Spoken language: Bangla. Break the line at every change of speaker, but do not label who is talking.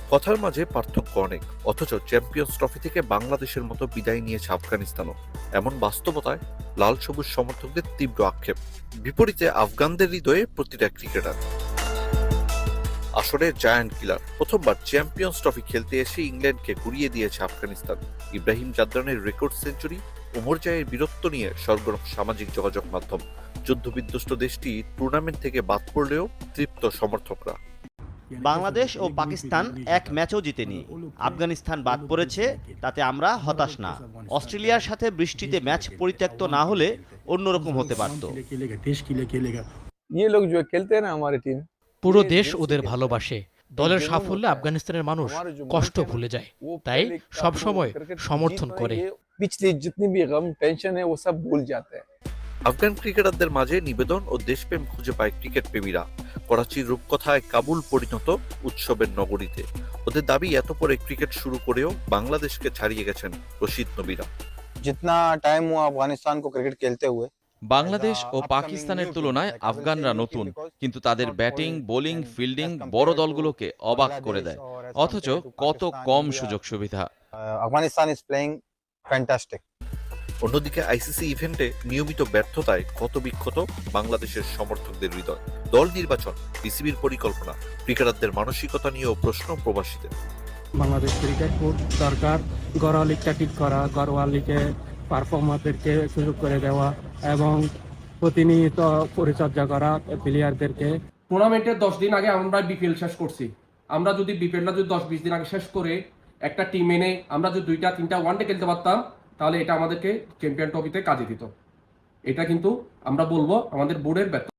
কথার মাঝে পার্থক্য অনেক, অথচ চ্যাম্পিয়ন্স ট্রফি থেকে বাংলাদেশের মতো বিদায় নিয়েছে আফগানিস্তানও। এমন বাস্তবতায় লাল সবুজ সমর্থকদের তীব্র আক্ষেপ। বিপরীতে আফগানদের হৃদয়ে প্রতিটা ক্রিকেটার আসলে জায়ান্ট কিলার। প্রথমবার চ্যাম্পিয়ন্স ট্রফি খেলতে এসে ইংল্যান্ডকে গুড়িয়ে দিয়েছে আফগানিস্তান। ইব্রাহিম জাদরানের রেকর্ড সেঞ্চুরি, ওমর জায়ের বীরত্ব নিয়ে সরগরম সামাজিক যোগাযোগ মাধ্যম। যুদ্ধবিধ্বস্ত দেশটি টুর্নামেন্ট থেকে বাদ পড়লেও তৃপ্ত সমর্থকরা।
বাংলাদেশ ও পাকিস্তান এক ম্যাচও জিতেনি। আফগানিস্তান বাদ পড়েছে, তাতে আমরা হতাশ না। অস্ট্রেলিয়ার সাথে বৃষ্টিতে ম্যাচ পরিত্যক্ত না হলে অন্যরকম হতে পারত।
ये लोग जो खेलते हैं ना हमारी टीम,
পুরো দেশ ওদের ভালোবাসে। দলের সাফল্যে আফগানিস্তানের মানুষ কষ্ট ভুলে যায়, তাই সবসময় সমর্থন করে।
पिछली जितनी भी गम टेंशन है वो सब भूल जाते हैं।
আফগান ক্রিকেটারদের মাঝে নিবেদন ও দেশপ্রেম খুঁজে পায় ক্রিকেট প্রেমীরা। করাচির রূপকথায় কাবুল পরিণত উৎসবের নগরীতে। ওদের দাবি এত পরে ক্রিকেট শুরু করেও বাংলাদেশকে ছাড়িয়ে গেছেন রশিদ নবীরা।
जितना टाइम हुआ अफगानिस्तान को क्रिकेट खेलते हुए,
বাংলাদেশ ও পাকিস্তানের তুলনায় আফগানরা নতুন, কিন্তু তাদের ব্যাটিং, বোলিং, ফিল্ডিং বড় দলগুলোকে অবাক করে দেয়। অথচ কত কম সুযোগ সুবিধা।
Afghanistan is playing fantastic.
অন্যদিকে আইসিসি ইভেন্টে নিয়মিত ব্যর্থতায় ক্ষতবিক্ষত বাংলাদেশের সমর্থকদের হৃদয়। দল নির্বাচন, বিসিবির পরিকল্পনা, ক্রিকেটারদের মানসিকতা নিয়েও প্রশ্ন প্রবাসীদের।
বাংলাদেশ ক্রিকেট বোর্ড দরকার ঘরোয়া লিগটা ঠিক করা, ঘরোয়া লিগে পারফর্মারদেরকে সুযোগ করে দেওয়া এবং প্রতিনিয়ত পরিচর্যা করা প্লেয়ারদেরকে।
টুর্নামেন্টের 10 দিন আগে আমরা বিপিএল শেষ করছি। আমরা যদি বিপিএলটা যদি 10-20 দিন আগে শেষ করে একটা টিম এনে আমরা যদি 2-3টা ওয়ানডে খেলতে পারতাম, তাহলে এটা আমাদেরকে চ্যাম্পিয়ন ট্রফিতে কাজে দিত। এটা কিন্তু আমরা বলবো আমাদের বোর্ডের ব্যর্থতা।